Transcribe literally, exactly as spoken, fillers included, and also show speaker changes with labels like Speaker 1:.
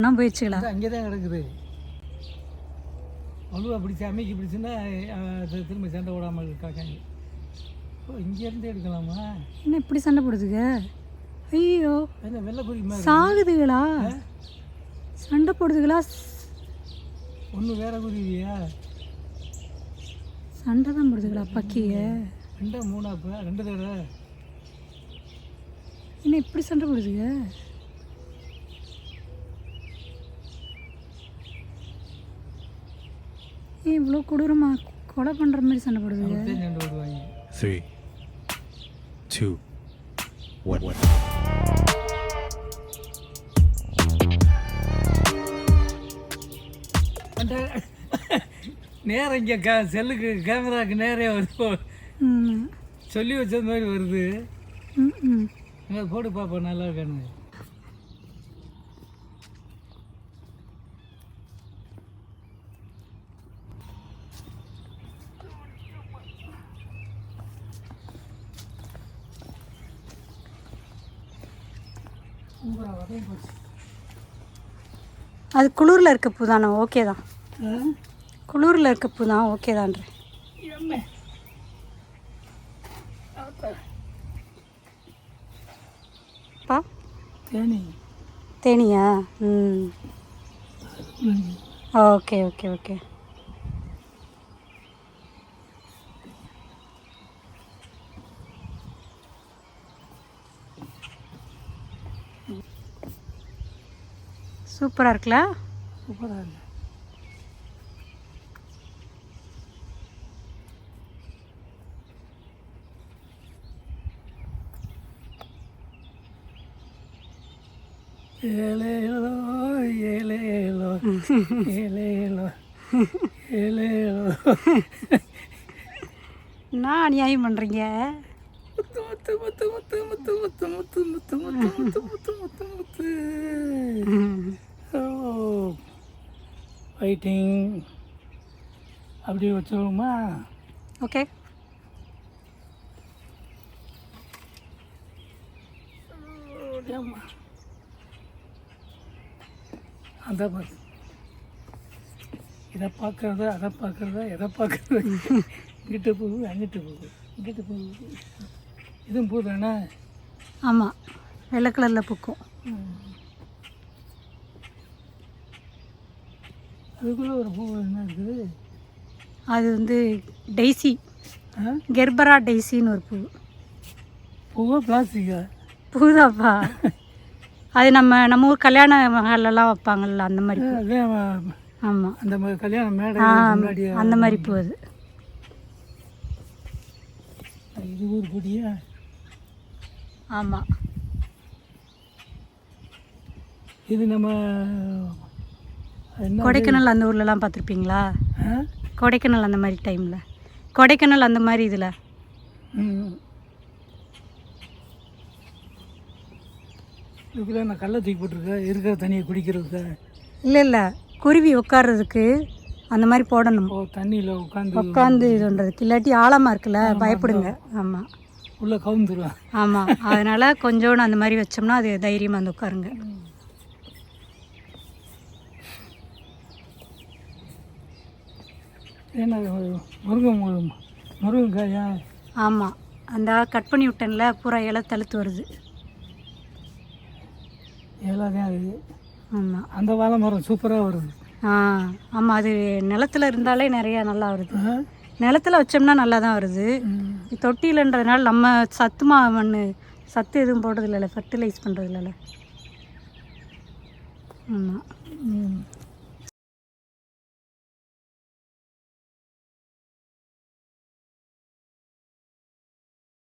Speaker 1: நான் போயிடுச்சுங்களா?
Speaker 2: அங்கே தான் கிடக்குது. வலுவா பிடிச்சி அமைக்கி பிடிச்சுன்னா திரும்ப சண்டை போடாமல் இருக்காங்க. ஓ, இங்கேருந்து எடுக்கலாமா?
Speaker 1: என்ன இப்படி சண்டை போடுதுங்க? ஐயோ,
Speaker 2: என்ன வெள்ளை குறி
Speaker 1: சாகுதுங்களா? சண்டை போடுதுங்களா?
Speaker 2: ஒன்று வேற குருவியா?
Speaker 1: சண்டை தான் போடுதுங்களா பக்கிய?
Speaker 2: ரெண்டா மூணா? இப்போ ரெண்டு தடவை
Speaker 1: என்ன இப்படி சண்டை போடுதுங்க? ஏன் இவ்வளோ கொடூரமா கொலை பண்ணுற மாதிரி சண்டை போடுதுங்க?
Speaker 2: சண்டை போடுவாங்க.
Speaker 3: த்ரீ டூ ஒன் ஒன்
Speaker 2: நேரம் இங்கே க செல்லுக்கு கேமராவுக்கு நேரே வருது. சொல்லி வச்சது மாதிரி வருது.
Speaker 1: ம்
Speaker 2: என்ன போட்டு பார்ப்போம், நல்லா இருக்கானு.
Speaker 1: அது குளூரில் இருக்க பூ தானே? ஓகே தான். குளூரில் இருக்க பூ தான் ஓகே தான்றேன். பா
Speaker 2: தேனி
Speaker 1: தேனியா? ம் ஓகே ஓகே ஓகே. சூப்பராக இருக்குல்ல?
Speaker 2: சூப்பராக இருக்கு. ஏலேலோ ஏலேலோ ஏலேலோ ஏலேலோ.
Speaker 1: என்ன அநியாயம் பண்ணுறீங்க?
Speaker 2: முத்து முத்து முத்து முத்து முத்து முத்து முத்து முத்து முத்து முத்து முத்து முத்து. ஓ, வெயிட்டிங். அப்படியே வச்சுருவோமா?
Speaker 1: ஓகே.
Speaker 2: அந்த மாதிரி இதை பார்க்குறதா அதை பார்க்குறதா எதை பார்க்குறதா? இங்கிட்ட போகுது அங்கிட்ட போகுது இங்கிட்ட போகுது. இதுவும் பூ தானே?
Speaker 1: ஆமாம், வெள்ளை கலரில் பூக்கும்.
Speaker 2: அதுக்குள்ளே ஒரு பூ என்ன இருக்குது?
Speaker 1: அது வந்து டெய்ஸி, கெர்பரா டெய்ஸின்னு ஒரு பூ.
Speaker 2: பூவா பிளாஸ்டிக்கா?
Speaker 1: பூதாப்பா. அது நம்ம நம்ம ஊர் கல்யாண மகாலெல்லாம் வைப்பாங்கல்ல, அந்த மாதிரி பூ. ஆமாம்,
Speaker 2: அந்த மாதிரி கல்யாண மேடை முன்னாடி
Speaker 1: அந்த மாதிரி பூ அது.
Speaker 2: இது ஒரு கொடியா?
Speaker 1: ஆமாம்,
Speaker 2: இது நம்ம
Speaker 1: கொடைக்கானல் அந்த ஊர்லலாம் பார்த்துருப்பீங்களா? கொடைக்கானல் அந்த மாதிரி டைமில், கொடைக்கானல் அந்த மாதிரி இதில்.
Speaker 2: ம், இதுக்குள்ளே நான் கல்லை தூக்கி போட்டிருக்கேன் இருக்கிற தண்ணியை குடிக்கிறதுக்கு.
Speaker 1: இல்லை இல்லை, குருவி உட்கார்றதுக்கு அந்த மாதிரி போடணும்.
Speaker 2: ஓ, தண்ணியில் உட்காந்து
Speaker 1: உட்காந்து இது பண்ணுறதுக்கு. இல்லாட்டி ஆழமாக இருக்குல்ல, பயப்படுங்க. ஆமாம்,
Speaker 2: உள்ளே கவுந்துருவேன்.
Speaker 1: ஆமாம், அதனால் கொஞ்சோண்டு அந்த மாதிரி வச்சோம்னா அது தைரியமாக வந்து உட்காருங்க.
Speaker 2: ஏன்னா முருங்கை முருங்கைக்காயா?
Speaker 1: ஆமாம், அந்த கட் பண்ணி விட்டேன்ல, பூரா இலை தழுத்து வருது.
Speaker 2: எல்லாத்தையும் அது.
Speaker 1: ஆமாம்,
Speaker 2: அந்த வாழை மரம் சூப்பராக வருது.
Speaker 1: ஆ ஆமாம், அது நிலத்தில் இருந்தாலே நிறையா நல்லா வருது. நிலத்தில் வச்சோம்னா நல்லா தான் வருது. தொட்டியிலன்றதுனால நம்ம சத்துமா மண் சத்து எதுவும் போடுறது இல்லைல்ல, ஃபர்டிலைஸ் பண்ணுறது இல்லைல்ல. ஆமாம்.